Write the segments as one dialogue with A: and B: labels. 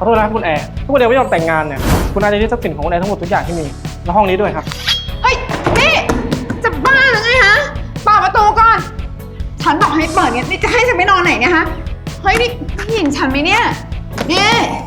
A: อโทษนะครับคุณแอร์ถ้าคุณแอร์ไม่ยอมแต่งงานเนี่ยคุณอาจจะยึดทรัพย์สินของคุณแอร์ทั้งหมดทุกอย่างที่มีและห้องนี้ด้วยครับ
B: เฮ้ยนี่จะบ้าหรือไงฮะเปิดประตูก่อนฉันบอกให้เปิดเนี่ยนี่จะให้ฉันไปนอนไหนเนี่ยฮะเฮ้ยนี่เห็นฉันไหมเนี่ยนี่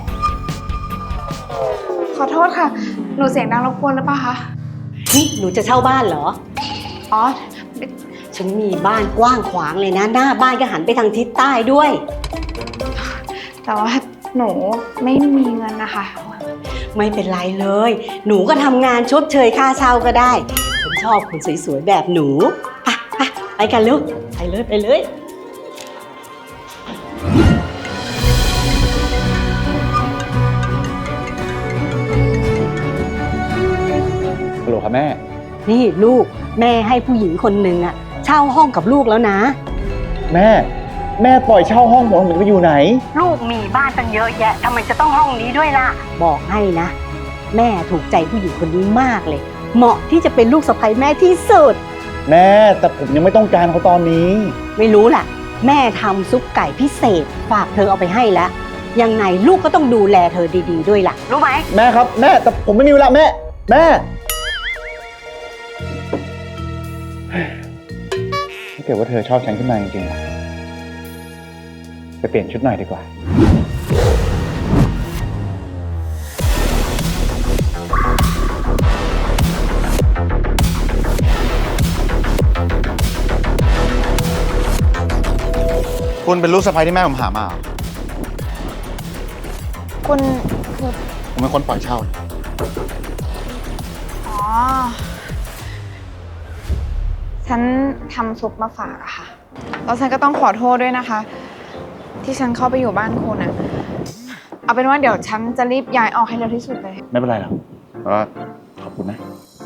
B: ขอโทษค่ะหนูเสียงดังรบกวนหรือเปล่าคะ
C: นี่หนูจะเช่าบ้านเหรอ
B: อ๋อ
C: ฉันมีบ้านกว้างขวางเลยนะหน้าบ้านก็หันไปทางทิศใต้ด้วย
B: แต่ว่าหนูไม่มีเงินนะคะ
C: ไม่เป็นไรเลยหนูก็ทำงานชดเชยค่าเช่าก็ได้ฉันชอบคนสวยๆแบบหนูไปกันลูกไปเลย
D: ฮัลโหลครับแม่
C: นี่ลูกแม่ให้ผู้หญิงคนหนึ่งอะเช่าห้องกับลูกแล้วนะ
D: แม่ปล่อยเช่าห้องผมจะไปอยู่ไหน
C: ลูกมีบ้านตั้งเยอะแยะทำไมจะต้องห้องนี้ด้วยล่ะบอกให้นะแม่ถูกใจผู้หญิงคนนี้มากเลยเหมาะที่จะเป็นลูกสะใภ้แม่ที่สุด
D: แม่แต่ผมยังไม่ต้องการเขาตอนนี้
C: ไม่รู้ล่ะแม่ทำซุปไก่พิเศษฝากเธอเอาไปให้แล้วยังไงลูกก็ต้องดูแลเธอดีๆด้วยล่ะรู้ไหม
D: แม่ครับแม่แต่ผมไม่มีเวลาแม่ถ้าเกิดว่าเธอชอบฉันขึ้นมาจริงๆไปเปลี่ยนชุดหน่อยดีกว่าคุณเป็นลูกสะใภ้ที่แม่ผมหามา
B: คุณ
D: ผมเป็นคนปล่อยเช่า
B: อ๋อฉันทำซุปมาฝากอะค่ะแล้วฉันก็ต้องขอโทษด้วยนะคะที่ฉันเข้าไปอยู่บ้านคุณอะเอาเป็นว่าเดี๋ยวฉันจะรีบย้ายออกให้เร็วที่สุดเลย
D: ไม่เป็นไรหรอกก็ขอบคุณนะ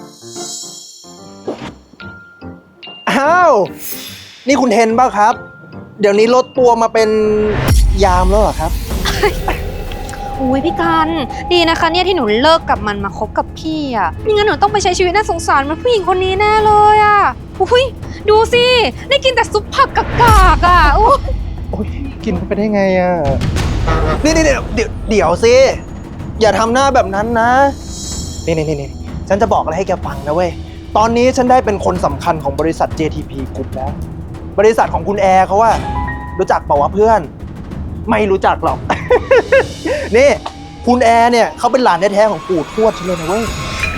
E: อ้าวนี่คุณเทนป่ะครับเดี๋ยวนี้ลดตัวมาเป็นยามแล้วเหรอครับ
F: อุ้ยพี่กันดีนะคะเนี่ยที่หนูเลิกกับมันมาคบกับพี่อ่ะไม่งั้นหนูต้องไปใช้ชีวิตน่าสงสารเหมือนผู้หญิงคนนี้แน่เลยอ่ะอุ้ยดูสิได้กินแต่ซุปผักกากๆอ่ะโ
E: อ้ยกินไปได้ไงอ่ะนี่เดี๋ยวสิอย่าทำหน้าแบบนั้นนะนี่ฉันจะบอกอะไรให้แกฟังนะเว้ยตอนนี้ฉันได้เป็นคนสำคัญของบริษัท JTP Group แล้วบริษัทของคุณแอร์เขาว่ารู้จักเปล่าวะเพื่อนไม่รู้จักหรอก นี่คุณแอร์เนี่ยเขาเป็นหลานแท้ๆของปู่ทวดฉันเลยนะเว้ย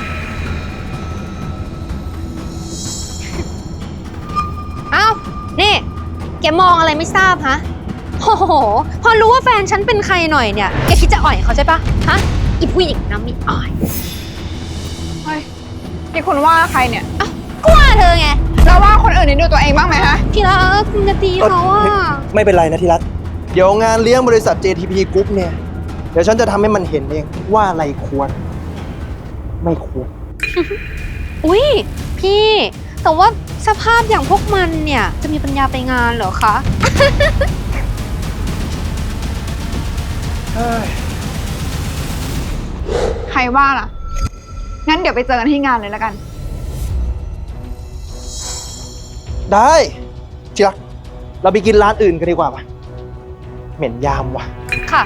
F: เอ้านี่แกมองอะไรไม่ทราบฮะโอ้โหพอรู้ว่าแฟนฉันเป็นใครหน่อยเนี่ยแกคิดจะอ่อยเขาใช่ปะฮะอีผู้หญิงน้ำมีอ่อย
B: เฮ้ยนี่คุณว่าใครเนี่ย
F: อ้าวก็ว่าเธอไง
B: เราว่าคนอื่นนี่ดูตัวเองบ้างไหมฮะ
F: ที่รักคุณจะตีเขาอ่ะ
E: ไม่เป็นไรนะที่รักเดี๋ยวงานเลี้ยงบริษัท JTP Group เนี่ยเดี๋ยวฉันจะทำให้มันเห็นเองว่าอะไรควรไม่ควร
F: อุ้ยพี่แต่ว่าสภาพอย่างพวกมันเนี่ยจะมีปัญญาไปงานเหรอคะ
B: ใครว่าล่ะงั้นเดี๋ยวไปเจอกันที่งานเลยแล้วกัน
E: ได้เชียร์เราไปกินร้านอื่นกันดีกว่าป่ะเหม็นยามว่ะ
F: ค่ะ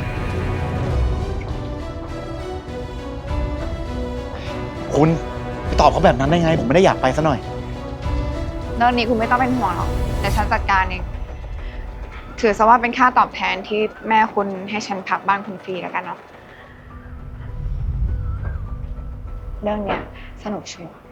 D: คุณไปตอบเขาแบบนั้นได้ไงผมไม่ได้อยากไปซะหน่อย
B: เรื่องนี้คุณไม่ต้องเป็นห่วงหรอกเดี๋ยวฉันจัดการเองถือซะว่าเป็นค่าตอบแทนที่แม่คุณให้ฉันพักบ้านคุณฟรีแล้วกันเนาะเรื่องเนี้ยสนุกชัวร์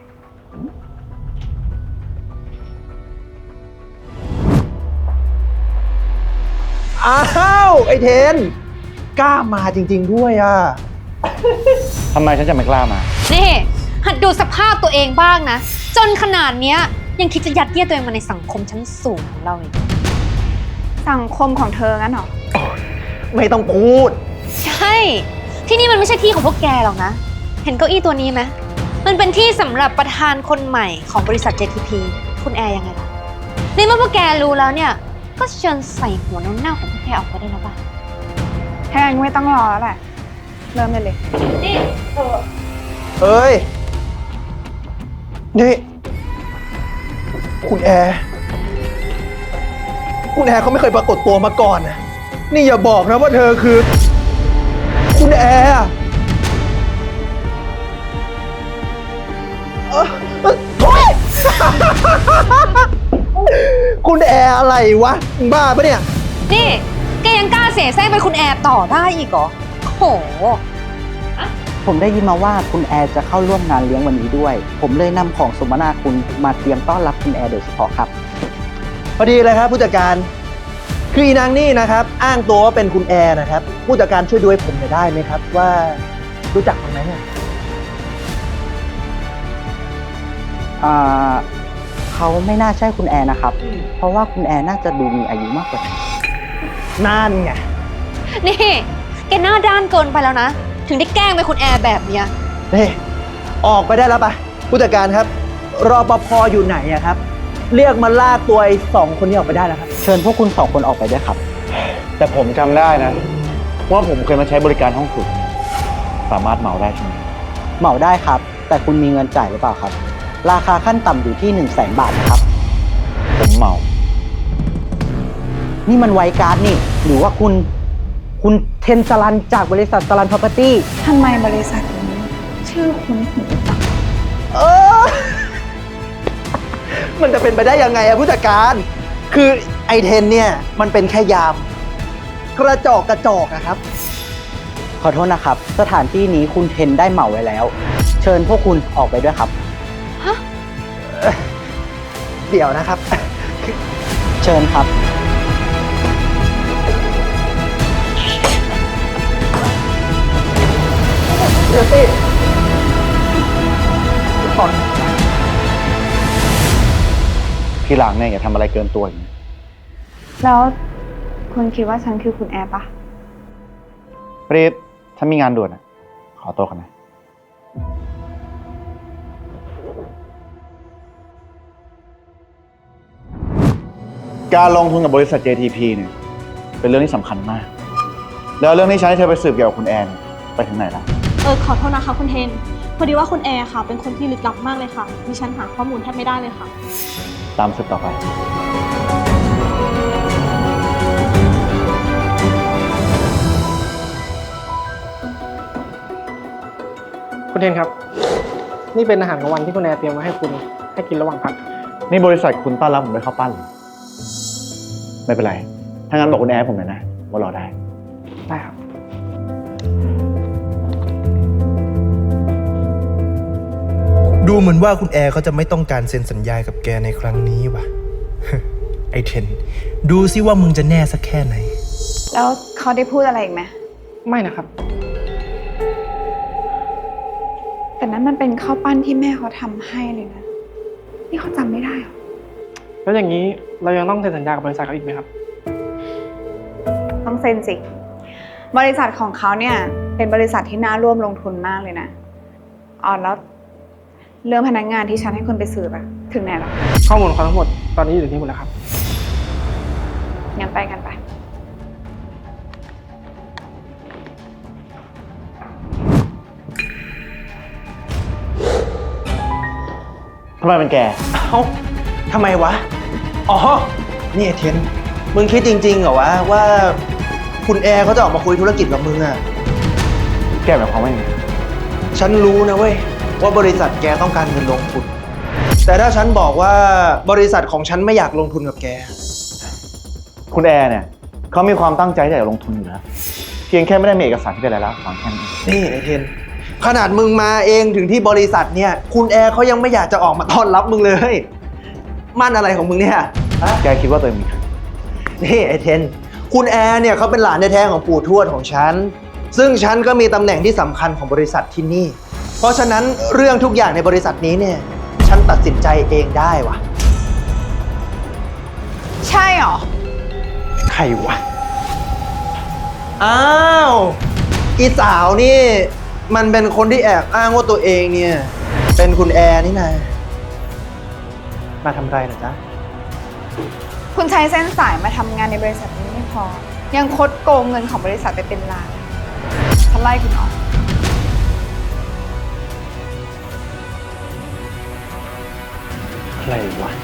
E: อ้าวไอเทนกล้ามาจริงๆด้วยอ่ะ
D: ทำไมฉันจะไม่กล้ามา
F: นี่หัดดูสภาพตัวเองบ้างนะจนขนาดเนี้ยยังคิดจะยัดเยียดตัวเองมาในสังคมชั้นสูงของเราอีก
B: สังคมของเธองั้นเหรอ
E: ไม่ต้องพูด
F: ใช่ที่นี่มันไม่ใช่ที่ของพวกแกหรอกนะเห็นเก้าอี้ตัวนี้ไหมมันเป็นที่สำหรับประธานคนใหม่ของบริษัท JTP คุณแอร์ยังไงล่ะนี่เมื่อพวกแกรู้แล้วเนี่ยก็เชิญใส่หัวน้ำเน่าของพวกแกออกไปได้แล้วป่ะ
B: แค่ไม่ต้องรอแล้วแหละเริ่มได้เลย
F: นี่
E: เอ้ยนี่คุณแอร์เขาไม่เคยปรากฏตัวมาก่อนนะนี่อย่าบอกนะว่าเธอคือคุณแอร์โอ๊ย คุณแอร์อะไรวะมึงบ้าปะเนี่ย
F: นี่แกยังกล้าเสแสร้งเป็นคุณแอร์ต่อได้อีกเหรอโอ้โห
G: ผมได้ยินมาว่าคุณแอร์จะเข้าร่วมงานเลี้ยงวันนี้ด้วย ผมเลยนำของสมนาคุณมาเตรียมต้อนรับคุณแอร์โดยเฉพาะครับ
E: พอดีเลยครับผู้จัดการ คืออีนางนี่นะครับ อ้างตัวว่าเป็นคุณแอร์นะครับ ผู้จัดการช่วยดูให้ผมหน่อยได้ไหมครับ ว่ารู้จักมันไหมเนี่ย
G: เขาไม่น่าใช่คุณแอร์นะครับ เพราะว่าคุณแอร์น่าจะดูมีอายุมากกว่า
E: นั่นไง
F: นี่แกหน้าด้านเกินไปแล้วนะ ถึงได้แกล้งเป็นคุณแอร์แบบเนี้ย
E: เฮ้ยออกไปได้แล้วปะผู้จัดการครับ รปภอยู่ไหนอะครับ เรียกมาลากตัวไอ้2 คนนี้ออกไปได้แล้วครับ
G: เชิญพวกคุณ2 คนออกไปด้วยครับ
D: แต่ผมจำได้นะว่าผมเคยมาใช้บริการห้องสุดสามารถเหมาได้ใช่ไหม
G: เหมาได้ครับ แต่คุณมีเงินจ่ายหรือเปล่าครับ ราคาขั้นต่ำอยู่ที่ 100,000 บาทนะครับ
D: ผมเหมา
G: นี่มันไวการ์ดนี่ หรือว่าคุณเทนสลันจากบริษัทสลันพ property
B: ทำไมบริษัทนี้ชื่อคุ้นหูจัง
E: เออ มันจะเป็นไปได้ยังไงอะผู้จัดการ คือไอเทนเนี่ยมันเป็นแค่ยาม กระจอกอะครับ
G: ขอโทษนะครับ สถานที่นี้คุณเทนได้เหมาไว้แล้ว เชิญพวกคุณออกไปด้วยครับ
E: เดี๋ยวนะครับ
G: เชิญครับ
E: เดี๋ยวสิก่อน
D: ทีหลังเนี่ยอย่าทำอะไรเกินตัวอย่างนี้
B: แล้วคุณคิดว่าฉันคือคุณแอร์ปะ
D: ปรี๊ดฉันมีงานด่วนอะขอตัวก่อนนะ การลงทุนกับบริษัท JTP เนี่ยเป็นเรื่องที่สำคัญมาก แล้วเรื่องที่ฉันให้เธอไปสืบเกี่ยวกับคุณแอนไปถึงไหนแล้ว
H: ขอโทษนะคะคุณเทน พอดีว่าคุณแอร์ค่ะ เป็นคนที่ลึกลับมากเลยค่ะดิฉันหาข้อมูลแทบไม่ได้เลยค่ะ
D: ตามสืบต่อไป
A: คุณเทนครับ นี่เป็นอาหารกลางวันที่คุณแอร์เตรียมมาให้คุณให้กินระหว่างพัก
D: นี่บริษัทคุณต้อนรับผมด้วยข้าวปั้นเหรอไม่เป็นไร ถ้างั้นบอกคุณแอนให้ผมหน่อยนะว่ารอได้
A: ได้ครับ
I: ดูเหมือนว่าคุณแอร์เขาจะไม่ต้องการเซ็นสัญญากับแกในครั้งนี้ว่ะ ไอเทน ดูซิว่ามึงจะแน่สักแค่ไหน
B: แล้วเขาได้พูดอะไรอีกไหม
A: ไม่นะครับ
B: แต่นั้นมันเป็นข้าวปั้นที่แม่เขาทำให้เลยนะ นี่เขาจำไม่ได้หรอ
A: แล้วอย่างนี้เรายังต้องเซ็นสัญญากับบริษัทเขาอีกไหมครับ
B: ต้องเซ็นสิ บริษัทของเขาเนี่ยเป็นบริษัทที่น่าร่วมลงทุนมากเลยนะอ๋อแล้วเรื่องพนักงานที่ฉันให้คุณไปสืบอะถึงไหนแล้ว
A: ข้อมูลของเขาทั้งหมดตอนนี้อยู่ที่หมดแล้วครับ
B: งั้นไปกันไป
D: ทำไมเป็นแก
E: เอ้าทำไมวะ อ๋อ นี่ไอเทน มึงคิดจริงๆเหรอวะว่าคุณแอร์เขาจะออกมาคุยธุรกิจกับมึงอะ
D: แกหมายความว่าไง
E: ฉันรู้นะเว้ยว่าบริษัทแกต้องการเงินลงทุน แต่ถ้าฉันบอกว่าบริษัทของฉันไม่อยากลงทุนกับแก
D: คุณแอร์เนี่ยเขามีความตั้งใจที่จะลงทุนอยู่แล้วเพียงแค่ไม่ได้มีเอกสารที่เป็นรายลักษณ์อักษรแค่นั้นเอง
E: นี่ไอเทน ขนาดมึงมาเองถึงที่บริษัทเนี่ย คุณแอร์เขายังไม่อยากจะออกมาต้อนรับมึงเลย มั่นอะไรของมึงเนี่ยฮะ
D: แกคิดว่าตัวเองมีใคร
E: นี่ไอเทน คุณแอร์เนี่ยเขาเป็นหลานแท้ๆของปู่ทวดของฉัน ซึ่งฉันก็มีตำแหน่งที่สำคัญของบริษัทที่นี่ เพราะฉะนั้นเรื่องทุกอย่างในบริษัทนี้เนี่ย ฉันตัดสินใจเองได้วะ
B: ใช่หรอ
E: ใครวะ อ้าว อีสาวนี่ มันเป็นคนที่แอบอ้างว่าตัวเองเนี่ย เป็นคุณแอร์นี่นะมาทำไรเหรอจ๊ะ
B: คุณใช้เส้นสายมาทำงานในบริษัทนี้ไม่พอ ยังคดโกงเงินของบริษัทไปเป็นล้านฉันไล่คุณออก
D: ใครวะ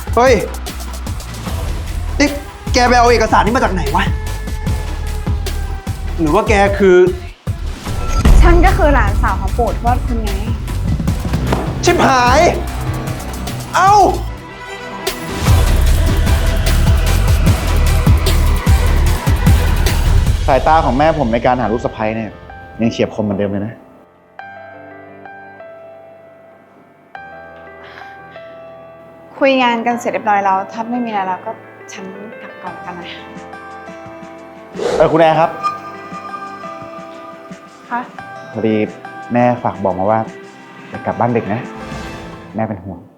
E: เฮ้ย นี่แกไปเอาเอกสารนี้มาจากไหนวะ หรือว่าแกคือ
B: ฉันก็คือหลานสาวของปู่ทวดคุณไง
E: ชิบหาย เอ้า
D: สายตาของแม่ผมในการหาลูกสะใภ้เนี่ยยังเฉียบคมเหมือนเดิมเลยนะ
B: คุยงานกันเสร็จเรียบร้อยแล้ว ถ้าไม่มีอะไรแล้วก็ฉันกลับก่อนกันนะ
D: คุณแอร์ครับ
B: คะ
D: พอดีแม่ฝากบอกมาว่าจะกลับบ้านดึกนะ แม่เป็นห่วง